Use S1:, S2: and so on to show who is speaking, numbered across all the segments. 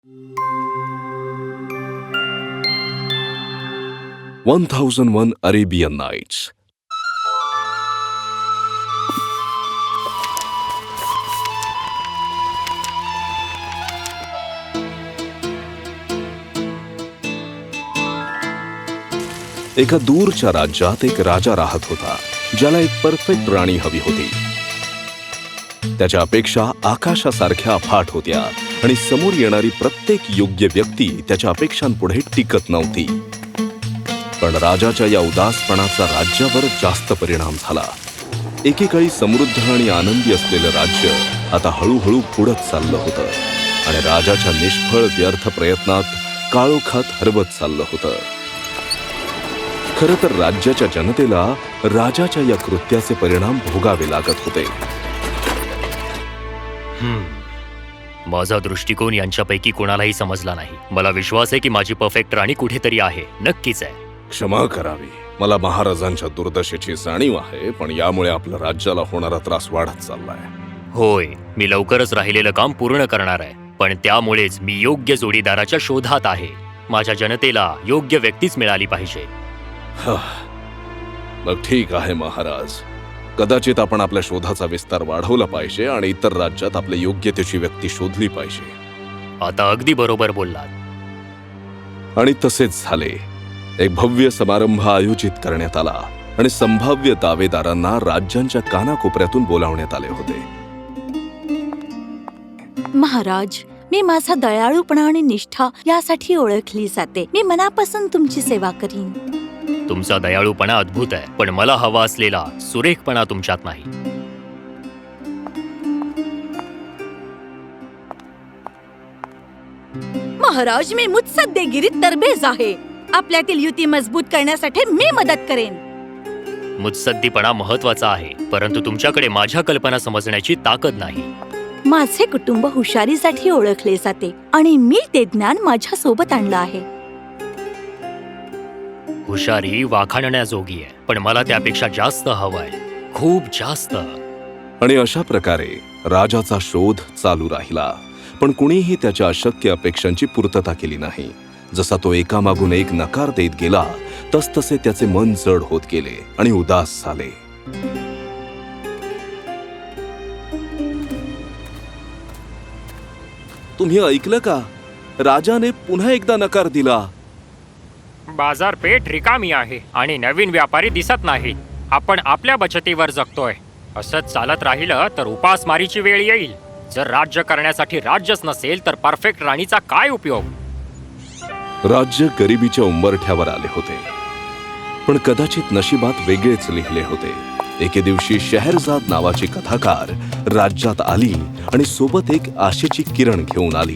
S1: 1001 Arabian nights. एका दूरच्या राज्यात एक राजा राहत होता, ज्याला एक परफेक्ट राणी हवी होती. त्याच्या अपेक्षा आकाशासारख्या अफाट होत्या आणि समोर येणारी प्रत्येक योग्य व्यक्ती त्याच्या अपेक्षांपुढे टिकत नव्हती. पण राजाच्या या उदासपणाचा राज्यावर जास्त परिणाम झाला. एकेकाळी समृद्ध आणि आनंदी असलेलं राज्य आता हळूहळू बुडत चाललं होतं आणि राजाच्या निष्फळ व्यर्थ प्रयत्नात काळोखात हरवत चाललं होतं. खरं तर राज्याच्या जनतेला राजाच्या या कृत्याचे परिणाम भोगावे लागत होते.
S2: माझा दृष्टिकोन यांच्यापैकी कोणालाही समजला नाही. मला विश्वास आहे की माझी परफेक्ट राणी कुठेतरी आहे, नक्कीच आहे.
S1: क्षमा करावी, मला महाराजांच्या दुर्दशेची जाणीव आहे, पण यामुळे आपल्या राज्याला होणारा त्रास वाढत चाललाय.
S2: होय, मी लवकरच राहिलेलं काम पूर्ण करणार आहे, पण त्यामुळेच मी योग्य जोडीदाराच्या शोधात आहे. माझ्या जनतेला योग्य व्यक्तीच मिळाली पाहिजे.
S1: मग ठीक आहे महाराज, कदाचित आपण आपल्या शोधाचा विस्तार वाढवला पाहिजे आणि इतर राज्यात आपल्या योग्यतेची व्यक्ती शोधली पाहिजे.
S2: आता अगदी बरोबर बोललात.
S1: आणि तसेच झाले. एक भव्य समारंभ आयोजित करण्यात आला आणि संभाव्य दावेदारांना राज्यांच्या कानाकोपऱ्यातून बोलावण्यात आले होते.
S3: महाराज, मी माझा दयाळूपणा आणि निष्ठा यासाठी ओळखली जाते. मी मनापासून तुमची सेवा करीन.
S2: तुमचा दयाळूपणा अद्भुत आहे, पण मला हवा असलेला सुरेखपणा तुमच्यात नाही.
S3: महाराज, मी मुत्सद्देगिरीत तरबेज आहे. आपल्यातील युती मजबूत करण्यासाठी मी मदत करेन.
S2: मुत्सद्दीपणा महत्वाचा आहे, परंतु तुमच्याकडे माझ्या कल्पना समजण्याची ताकद नाही.
S3: माझे कुटुंब हुशारीसाठी ओळखले जाते आणि मी ते ज्ञान माझ्या सोबत आणलं आहे.
S2: हुशारी वाखाणण्याजोगी आहे, पण मला त्यापेक्षा जास्त हवंय, खूप जास्त.
S1: आणि अशा प्रकारे राजाचा शोध चालू राहिला, पण कुणीही त्याच्या अशक्य अपेक्षांची पूर्तता केली नाही. जसा तो एकामागून एक नकार देत गेला, तसतसे त्याचे मन जड होत गेले आणि उदास झाले. तुम्ही ऐकलं का? राजाने पुन्हा एकदा नकार दिला.
S4: बाजारपेठ रिकामी आहे आणि नवीन व्यापारी दिसत नाहीत. आपण आपल्या बचतीवर जगतोय. असंच चालत राहिलं तर उपासमारीची वेळ येईल. जर राज्य करण्यासाठी राज्यच नसेल तर परफेक्ट राणीचा काय उपयोग?
S1: राज्य गरिबीच्या उंबरठ्यावर आले होते, पण कदाचित नशिबात वेगळेच लिहिले होते. एके दिवशी शहरजाद नावाची कथाकार राज्यात आली आणि सोबत एक आशेची किरण घेऊन आली.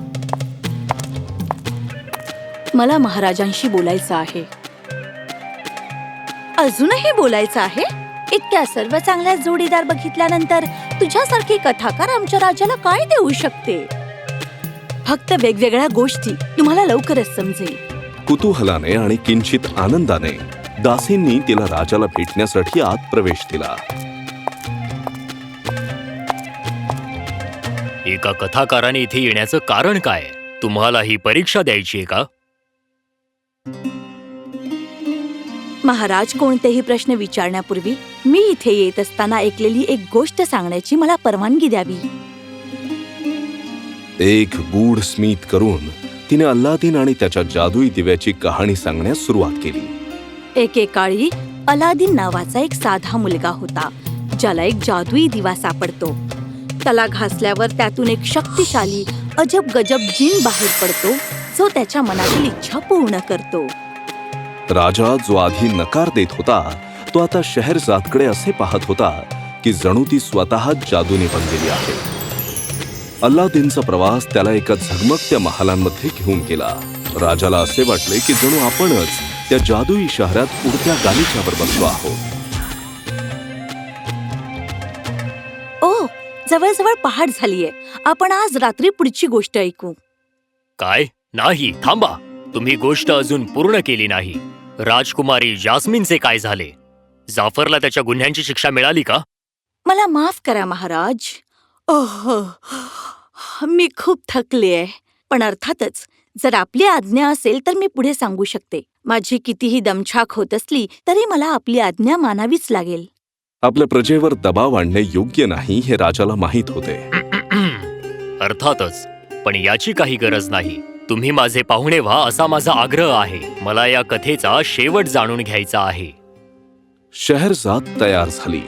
S3: मला महाराजांशी बोलायचं आहे. अजूनही बोलायचं आहे? इतक्या सर्व चांगल्या जोडीदार बघितल्यानंतर तुझ्यासारखी कथाकार आमच्या राजाला काय देऊ शकते? फक्त वेगवेगळ्या गोष्टी. तुम्हाला लवकरच समजेल.
S1: कुतूहलाने आणि किंचित आनंदाने दासींनी तिला राजाला भेटण्यासाठी आत प्रवेश दिला.
S2: एका कथाकाराने इथे येण्याचं कारण काय? तुम्हाला ही परीक्षा द्यायची आहे का?
S3: महाराज, कोणतेही प्रश्न विचारण्यापूर्वी मी इथे येत असताना ऐकलेली एक गोष्ट सांगण्याची मला परवानगी द्यावी.
S1: एक गूढ स्मित करून तिने अल्लादीन आणि त्याच्या जादुई दिव्याची कहाणी सांगण्यास सुरुवात केली.
S3: एकेकाळी अलादीन नावाचा एक साधा मुलगा होता, ज्याला एक जादुई दिवा सापडतो. त्याला घासल्यावर त्यातून एक शक्तिशाली अजब गजब जिन बाहेर पडतो, जो त्याच्या मनातील इच्छा पूर्ण करतो.
S1: राजा, जो आधी नकार देत होता, तो आता शहरजादकडे असे पाहत होता की जणू ती स्वतः जादूने बनलेली आहे. अल्लादीनचा प्रवास त्याला एका झगमगत्या महालांमध्ये घेऊन गेला. राजाला असे वाटले की जणू आपणच त्या जादुई शहरात उडत्या गालिच्यावर बसलो आहोत.
S3: ओ, जवळजवळ पहाट झालीये. आपण आज रात्री पुढची गोष्ट ऐकू.
S2: काय? नाही, थांबा. तुम्ही गोष्ट अजून पूर्ण केली नाही. राजकुमारी जास्मिनचे काय झाले? जाफरला त्याच्या गुन्ह्यांची शिक्षा मिळाली का?
S3: मला माफ करा महाराज. ओह, मी खूप थकले आहे. पण अर्थातच जर आपली आज्ञा असेल तर मी पुढे सांगू शकते. माझी कितीही दमछाक होत असली तरी मला आपली आज्ञा मानावीच लागेल.
S1: आपल्या प्रजेवर दबाव आणणे योग्य नाही हे राजाला माहीत होते.
S2: अर्थातच, पण याची काही गरज नाही. तुम्ही माझे पाहुणे व्हा असा माझा आग्रह आहे. मला या कथेचा शेवट जाणून घ्यायचा आहे.
S1: शहरजाद तयार झाली.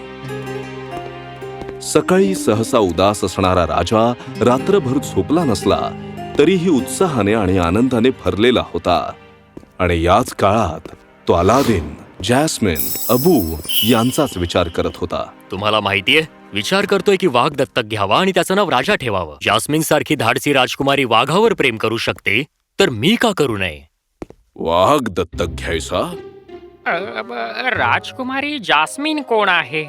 S1: सकाळी सहसा उदास असणारा राजा रात्रभर झोपला नसला तरीही उत्साहाने आणि आनंदाने भरलेला होता. आणि याच काळात तो अलादीन, जॅस्मिन, अबू यांचाच विचार करत होता.
S2: तुम्हाला माहितीये, विचार करतोय की वाघ दत्तक घ्यावा आणि त्याचं नाव राजा ठेवावं. जास्मिन सारखी धाडसी राजकुमारी वाघावर प्रेम करू शकते, तर मी का करू नये?
S1: वाघ दत्तक घ्यायचा?
S4: राजकुमारी जास्मिन कोण आहे?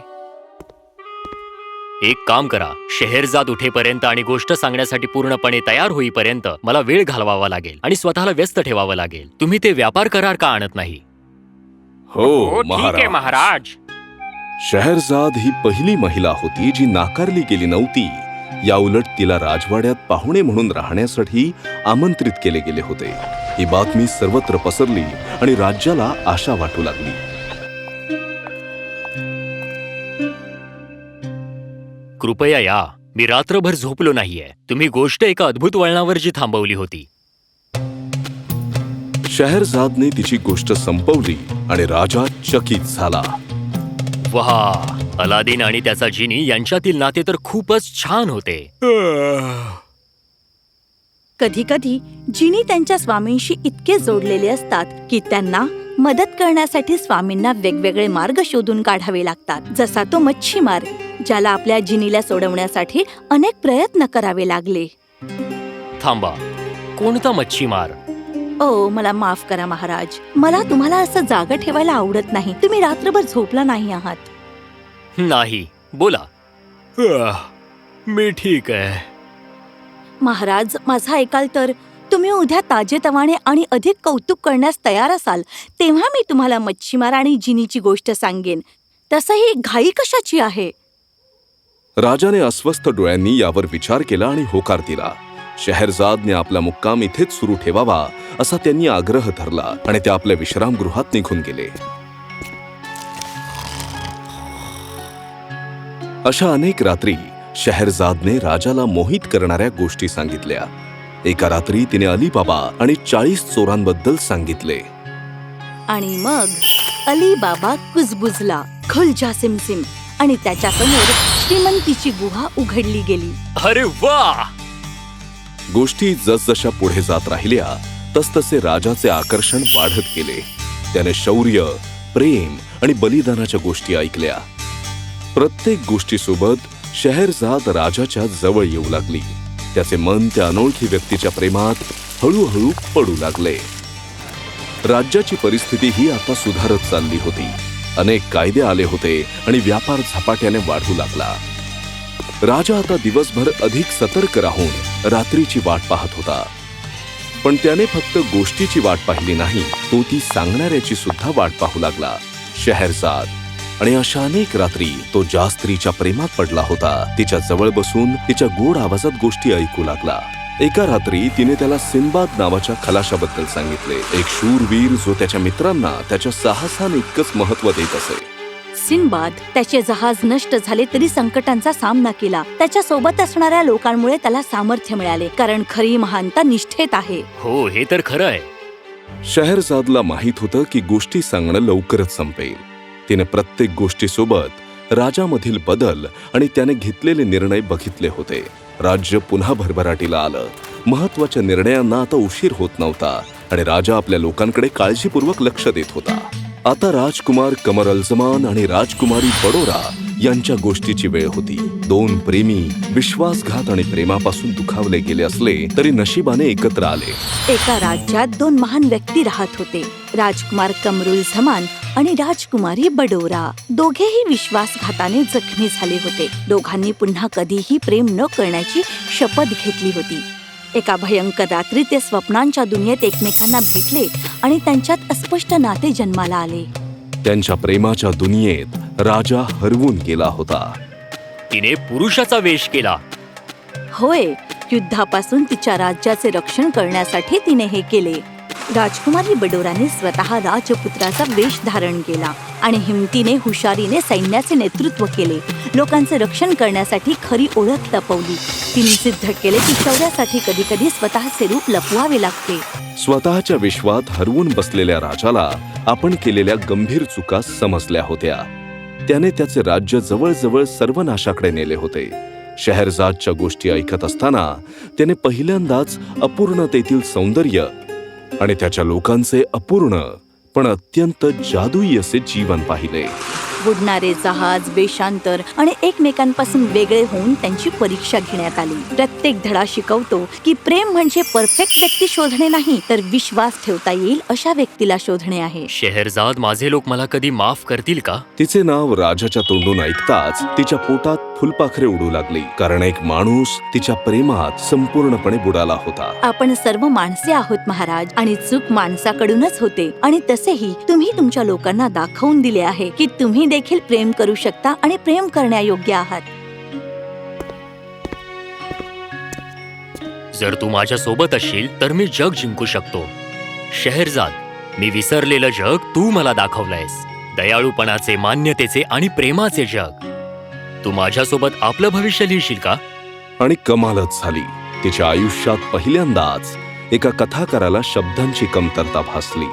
S2: एक काम करा, शेहरजाद उठेपर्यंत आणि गोष्ट सांगण्यासाठी पूर्णपणे तयार होईपर्यंत मला वेळ घालवावा लागेल आणि स्वतःला व्यस्त ठेवावं लागेल. तुम्ही ते व्यापार करार का आणत नाही?
S1: हो
S4: ठीक आहे महाराज.
S1: शहरजाद ही पहिली महिला होती जी नाकारली गेली नव्हती. याउलट तिला राजवाड्यात पाहुणे म्हणून राहण्यासाठी आमंत्रित केले गेले होते. ही बातमी सर्वत्र पसरली आणि राज्याला आशा वाटू लागली.
S2: कृपया या, मी रात्रभर झोपलो नाहीये. तुम्ही गोष्ट एका अद्भुत वळणावर जी थांबवली होती.
S1: शहरजादने तिची गोष्ट संपवली आणि राजा चकित झाला.
S2: वाह, अलादीन आणि त्याचा जिनी यांच्यातील नाते तर खूपच छान होते.
S3: कधी कधी जिनी त्यांच्या स्वामींशी इतके जोडलेले असतात की त्यांना मदत करण्यासाठी स्वामींना वेगवेगळे मार्ग शोधून काढावे लागतात. जसा तो मच्छीमार, ज्याला आपल्या जिनीला सोडवण्यासाठी अनेक प्रयत्न करावे लागले.
S2: थांबा, कोणता मच्छीमार?
S3: ओ, मला माफ करा महाराज. मला तुम्हाला असं जागा ठेवायला आवडत नाही. तुम्ही रात्रभर झोपला नाही आहात.
S2: नाही, बोला. मी ठीक आहे.
S3: महाराज, माझा ऐकाल तर तुम्ही उद्या ताजेतवाने आणि अधिक कौतुक करण्यास तयार असाल तेव्हा मी तुम्हाला मच्छीमार आणि जिनीची गोष्ट सांगेन. तसंही घाई कशाची आहे?
S1: राजाने अस्वस्थ डोळ्यांनी यावर विचार केला आणि होकार दिला. शहरजादने आपला मुक्काम इथेच सुरू ठेवावा असा त्यांनी आग्रह धरला आणि ते आपल्या विश्रामगृहात निघून गेले. अशा अनेक रात्री शहरजादने राजाला मोहित करणाऱ्या गोष्टी सांगितल्या. एका रात्री तिने अलीबाबा आणि 40 चोरांबद्दल सांगितले.
S3: आणि मग अलीबाबा कुजबुजला, खुलजा सिमसिम, आणि त्याच्यासमोर श्रीमंतीची गुहा उघडली गेली.
S2: अरे वा!
S1: गोष्टी जसजशा पुढे जात राहिल्या तसतसे राजाचे आकर्षण वाढत गेले. त्याने शौर्य, प्रेम आणि बलिदानाच्या गोष्टी ऐकल्या. प्रत्येक गोष्टीसोबत शहरजाद राजाच्या जवळ येऊ लागली. त्याचे मन त्या अनोळखी व्यक्तीच्या प्रेमात हळूहळू पडू लागले. राज्याची परिस्थिती ही आता सुधारत चालली होती. अनेक कायदे आले होते आणि व्यापार झपाट्याने वाढू लागला. राजा आता दिवसभर अधिक सतर्क राहून रात्रीची वाट पाहत होता. पण त्याने फक्त गोष्टीची वाट पाहिली नाही, तो ती सांगणाऱ्याची सुद्धा वाट पाहू लागला, शहरजाद. आणि अशा अनेक रात्री तो ज्या स्त्रीच्या प्रेमात पडला होता तिच्या जवळ बसून तिच्या गोड आवाजात गोष्टी ऐकू लागला. एका रात्री तिने त्याला सिंबाद नावाच्या खलाशाबद्दल सांगितले. एक शूरवीर जो त्याच्या मित्रांना त्याच्या साहसाने इतकंच महत्व देत असे.
S3: सिंबाद त्याचे जहाज नष्ट झाले तरी संकटांचा सामना केला. त्याच्या सोबत असणाऱ्या लोकांमुळे त्याला सामर्थ्य मिळाले, कारण खरी महानता निष्ठेत आहे.
S2: हो, हे तर खरं आहे.
S1: शहरजादला माहित होतं की गोष्टी सांगणं लवकरच संपेल. तिने प्रत्येक गोष्टीसोबत राजामधील बदल आणि त्याने घेतलेले निर्णय बघितले होते. राज्य पुन्हा भरभराटीला आलं. महत्वाच्या निर्णयांना आता उशीर होत नव्हता आणि राजा आपल्या लोकांकडे काळजीपूर्वक लक्ष देत होता. आता राजकुमार कमर अल-जमान आणि राजकुमारी बडोरा यांच्या गोष्टीची वेळ होती. दोन प्रेमी विश्वासघात आणि प्रेमापासून दुखावले गेले असले तरी नशिबाने एकत्र आले.
S3: एका राज्यात दोन महान व्यक्ती राहत होते, राजकुमार कमरुल झमान आणि राजकुमारी बडोरा. दोघेही विश्वासघाताने जखमी झाले होते. दोघांनी पुन्हा कधीही प्रेम न करण्याची शपथ घेतली होती. एका भयंकर रात्री ते स्वप्नांच्या दुनियेत एकमेकांना भेटले आणि त्यांच्यात अस्पष्ट नाते जन्माला आले.
S1: त्यांच्या प्रेमाच्या दुनियेत राजा हरवून गेला होता.
S2: तिने पुरुषाचा वेश केला.
S3: होय, युद्धापासून तिच्या राज्याचे रक्षण करण्यासाठी तिने हे केले. राजकुमारी बडोराने स्वतः राजपुत्राचा वेश धारण केला आणि हिमतीने हुशारीने सैन्याचे नेतृत्व केले. लोकांचे रक्षण करण्यासाठी खरी ओळख लपवली. तिने सिद्ध केले की शौर्यासाठी कधी कधी स्वतःचे रूप लपवावे लागते.
S1: स्वतःच्या विश्वात हरवून बसलेल्या राजाला आपण केलेल्या गंभीर चुका समजल्या होत्या. त्याने त्याचे राज्य जवळजवळ सर्वनाशाकडे नेले होते. शहरजादच्या गोष्टी ऐकत असताना त्याने पहिल्यांदाच अपूर्णतेतील सौंदर्य आणि त्याच्या लोकांचे अपूर्ण पण अत्यंत जादुई असे जीवन पाहिले.
S3: बुडणारे जहाज, वेषांतर आणि एकमेकांपासून वेगळे होऊन त्यांची परीक्षा घेण्यात आली. प्रत्येक धडा शिकवतो की प्रेम म्हणजे परफेक्ट व्यक्ती शोधणे नाही, तर विश्वास ठेवता येईल अशा व्यक्तीला शोधणे आहे.
S2: शेहरजाद, माझे लोक मला कधी माफ करतील का?
S1: तिचे नाव राजाच्या तोंडून ऐकताच तिच्या पोटात फुलपाखरे उडू लागली, कारण एक माणूस तिच्या प्रेमात संपूर्णपणे बुडाला होता.
S3: आपण सर्व माणसे आहोत महाराज, आणि चूक माणसाकडूनच होते. आणि तसेही तुम्ही तुमच्या लोकांना दाखवून दिले आहे की तुम्ही देखील प्रेम करू शकता आणि प्रेम करण्यायोग्य आहात.
S2: जर तू माझ्या सोबत असशील तर मी जग जिंकू शकतो. शेहरजाद, मी विसरलेलं जग तू मला दाखवलंयस. दयाळूपणाचे, मान्यतेचे आणि प्रेमाचे जग. तू माझ्यासोबत आपलं भविष्य लिहिशील का?
S1: आणि कमालच झाली. तिच्या आयुष्यात पहिल्यांदाच एका कथाकाराला शब्दांची कमतरता भासली.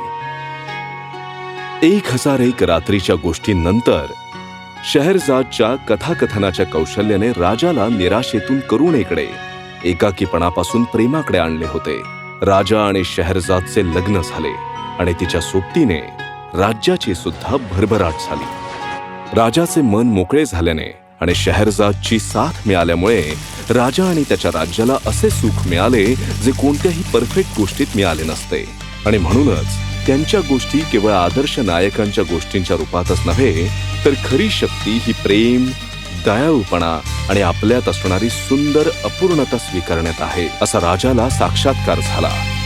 S1: 1001 रात्रीच्या गोष्टींनंतर शहरजादच्या कथाकथनाच्या कौशल्याने राजाला निराशेतून करुणेकडे, एकाकीपणापासून प्रेमाकडे आणले होते. राजा आणि शहरजादचे लग्न झाले आणि तिच्या सोबतीने राज्याची सुद्धा भरभराट झाली. राजाचे मन मोकळे झाल्याने आणि शहरजादची साथ मिळाल्यामुळे राजा आणि त्याच्या राज्याला असे सुख मिळाले जे कोणत्याही परफेक्ट गोष्टीत मिळाले नसते. आणि म्हणूनच त्यांच्या गोष्टी केवळ आदर्श नायकांच्या गोष्टींच्या रूपातच नव्हे, तर खरी शक्ती ही प्रेम, दयाळूपणा आणि आपल्यात असणारी सुंदर अपूर्णता स्वीकारण्यात आहे, असा राजाला साक्षात्कार झाला.